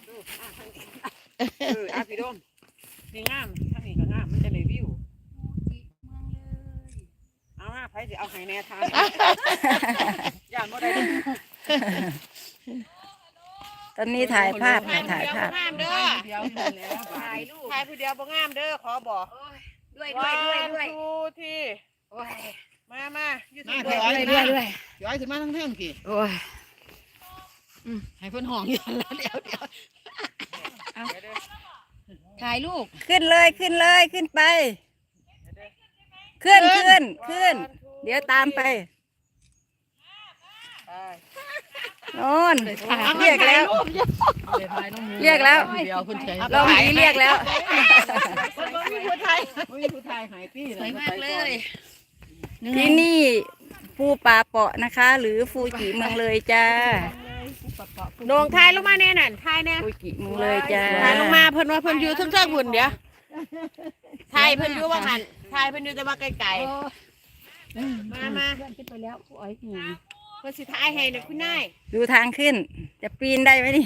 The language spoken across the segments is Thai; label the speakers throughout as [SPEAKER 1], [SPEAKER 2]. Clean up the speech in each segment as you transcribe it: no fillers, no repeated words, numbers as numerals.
[SPEAKER 1] ดูพี่ดมนี่งามถ้านี่ก็งามมันจะเลยวิวเอามาไผสิเอาไห้แน่ทางย่านบ่ได้
[SPEAKER 2] ตอนนี้ถ่ายภาพค่ะถ่ายภาพ
[SPEAKER 1] งามเด้อถ่ายรูปถ่ายผู้เดียวบ่งามเด้อขอบอกด้วยที่มาอยู่ที่ด้วยย้อยขึ้นมาทั้งเทิงกี่
[SPEAKER 2] โอ้ย
[SPEAKER 1] ให้เพิ่นห้องอยู่แล้วเดี๋ยว
[SPEAKER 3] ถ่ายรูป
[SPEAKER 2] ขึ้นเลยขึ้นไป ขึ้น เดี๋ยวตามไปโน่นเรียกแล้วลองนี้เรียกแล้ว
[SPEAKER 1] มีผู้ไทยหายปี้
[SPEAKER 3] สวยมากเลย
[SPEAKER 2] ที่นี่ภูป่าเปาะนะคะ หรือฟูจิเมืองเลยจ้า
[SPEAKER 1] โด่งทายลงมาแน่นั่นทายแน่
[SPEAKER 2] ฟูจิเมืองเลยจ้า
[SPEAKER 1] ทายลงมาเพิ่นว่าเพิ่นอยู่เทิงๆหุ่นเดี๋ยวทายเพิ่นอยู่ว่าหันทายเพิ่นอยู่แต่ว่าไกลๆมาขึ้นไปแล้วผู้อ้อยเพิ่นสิทายให้เนี่ยคุณนาย
[SPEAKER 2] ดูทางขึ้น จะปีนได้ไหมนี่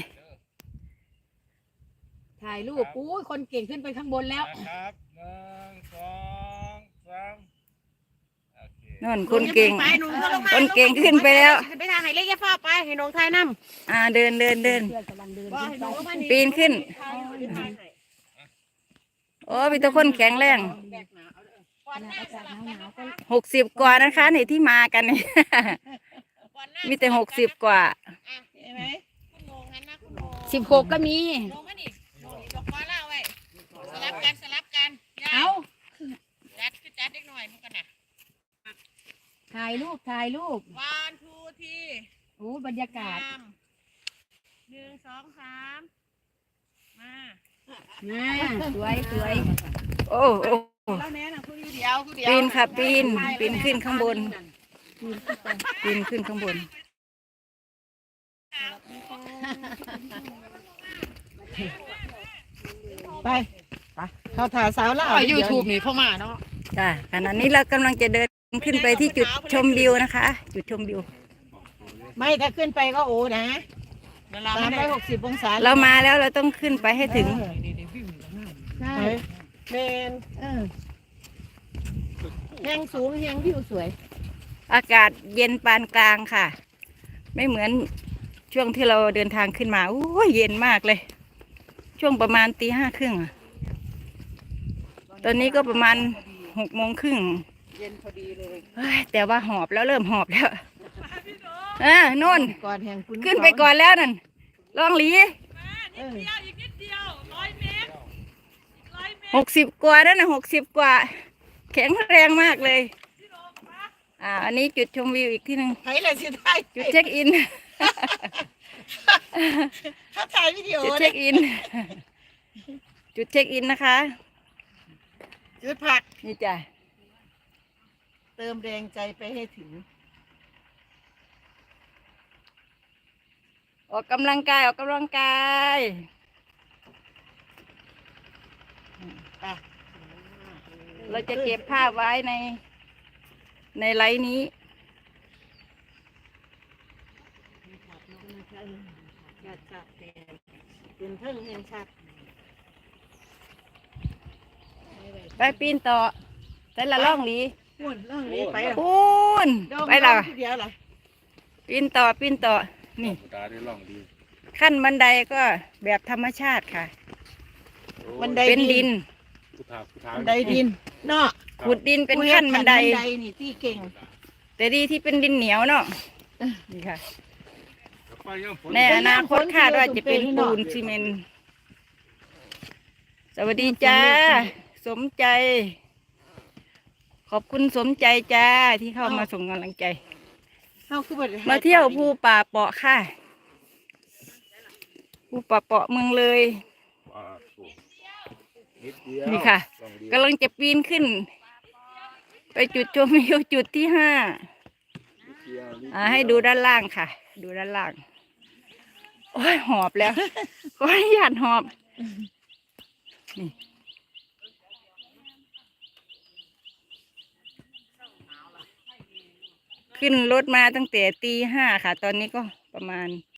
[SPEAKER 3] ถ่ายรูปอู้ยคนเก่งขึ้นไปข้างบนแล้ว
[SPEAKER 4] ครับ1 2 3โอเค
[SPEAKER 2] นู่นคนเก่ง
[SPEAKER 1] ไปหนุ่มก็ลงมา
[SPEAKER 2] คนเก่งขึ้นไปแล้ว
[SPEAKER 1] ไปทางไหนเล็กแค่ฟ้าไปให้น้องทายนำ
[SPEAKER 2] เดิน
[SPEAKER 3] เพื่อนกำลังเดิน
[SPEAKER 1] บ่
[SPEAKER 3] ขึ้น
[SPEAKER 1] ให้
[SPEAKER 3] ไป
[SPEAKER 1] น้องลงมานี่
[SPEAKER 2] ปีนขึ้น
[SPEAKER 1] ทายให้
[SPEAKER 2] โอ้มีแต่คนแข็งแรง
[SPEAKER 1] แบกหนาเอาเด้อก่อน
[SPEAKER 3] ข
[SPEAKER 1] ห
[SPEAKER 3] ณะ
[SPEAKER 1] น้า
[SPEAKER 3] อากาศหนาวๆก็
[SPEAKER 2] 60 กว่านะคะนี่ที่มากันนี่
[SPEAKER 1] ก่อนหน้า
[SPEAKER 2] มีแต่60 กว่า
[SPEAKER 1] เห็นไหมคุณโหนงหันหน้าคุณโหนง
[SPEAKER 3] 16ก็มี
[SPEAKER 1] ลงมานี่ดอกฟ้าเล่าไว้สลับกันย่า
[SPEAKER 3] เอา
[SPEAKER 1] จัดคือจัดเล็กหน่อยมันกันน่ะ
[SPEAKER 3] ถ่ายรูป
[SPEAKER 1] วันทูที
[SPEAKER 3] โอ้บรรยากาศ
[SPEAKER 1] 1 2 3มา
[SPEAKER 3] มาสวย
[SPEAKER 2] โอ้โอ้
[SPEAKER 1] แล้วแน่น่ะคุณเดียว
[SPEAKER 2] ปีนค่ะปีนขึ้นข้างบน ปีนขึ้นข้างบน
[SPEAKER 1] ไปเขาถ่ายสาวแล้วยูทูบนี่เข้ามาเนาะ
[SPEAKER 2] จ้าขณะนี้เรากำลังจะเดินขึ้นไปที่จุดชมวิวนะคะ จุดชมวิว
[SPEAKER 1] ไม่ถ้าขึ้นไปก็โอ้นะ360 องศา
[SPEAKER 2] เรามาแล้วเราต้องขึ้นไปให้ถึง
[SPEAKER 3] ๆใช่
[SPEAKER 1] เมน
[SPEAKER 3] แหงสูงแหงวิวสวย
[SPEAKER 2] อากาศเย็นปานกลางค่ะ ไม่เหมือนช่วงที่เราเดินทางขึ้นมาโอ้ยเย็นมากเลย ช่วงประมาณตี 5:30อะตอนนี้ก็ประมาณ6:30
[SPEAKER 1] เย็นพอดีเลย
[SPEAKER 2] เฮ้ยแต่ว่าหอบแล้วเริ่มหอบแล้วโน่น
[SPEAKER 1] ก่อนแห่งคุณ
[SPEAKER 2] ขึ้นไปก่อนแล้วนั่นลองหลี60 กว่านั่นนะ60 กว่า แข็งแรงมากเลยอันนี้จุดชมวิวอีกที่หนึ่ง
[SPEAKER 1] ใครเลยสิได้
[SPEAKER 2] จุดเช็คอิน
[SPEAKER 1] ถ้าถ่ายวิดีโอ
[SPEAKER 2] จุดเช็คอิน จุดเช็คอินนะคะ
[SPEAKER 1] จุดผัก
[SPEAKER 2] นี่จ้ะ
[SPEAKER 1] เติมแรงใจไปให้ถึง
[SPEAKER 2] ออกกำลังกาย เราจะเก็บภาพไว้ในไลน์นี้
[SPEAKER 1] ชัดเป็นเพิ่งเห็นชัด
[SPEAKER 2] ไปปีนต่อแต่ละล่องหลี
[SPEAKER 1] พูนเรื่องนี้ไป
[SPEAKER 2] ปูนไปละ
[SPEAKER 1] เดียวเหรอ
[SPEAKER 2] ปีนต่อนี่
[SPEAKER 4] ตาได้ล่องดี
[SPEAKER 2] ขั้นบันไดก็แบบธรรมชาติค่ะ
[SPEAKER 1] บันได
[SPEAKER 2] เป็นดิน
[SPEAKER 4] ผู้ทา
[SPEAKER 1] บันไดดินเนาะ
[SPEAKER 2] ขุดดินเป็นขั้นบันได
[SPEAKER 1] นี่ที่เก่ง
[SPEAKER 2] แต่ดีที่เป็นดินเหนียวเนาะนี่ค่ะ
[SPEAKER 4] ไปยังฝน
[SPEAKER 2] ในอนาคตคาดว่าจะเป็นปูนซีเมนต์สวัสดีจ้า สมใจ ขอบคุณสมใจจ้าที่เข้ามาส่งกำลังใจ มาเที่ยวภูป่าเปาะค่ะภูป่าเปาะเมืองเลย
[SPEAKER 4] นิดเดียว
[SPEAKER 2] นี่ค่ะ
[SPEAKER 4] ล่องดี
[SPEAKER 2] กำลังจะปีนขึ้น ไปจุดชมวิวจุดที่ 5
[SPEAKER 4] นิดเดียวนิดเดียว
[SPEAKER 2] ให้ดูด้านล่างค่ะ ดูด้านล่าง โอ้ยหอบแล้ว ขออนุญาตหอบนี่ขึ้นรถมาตั้งแต่ตี 5ค่ะ ตอนนี้ก็ประมาณ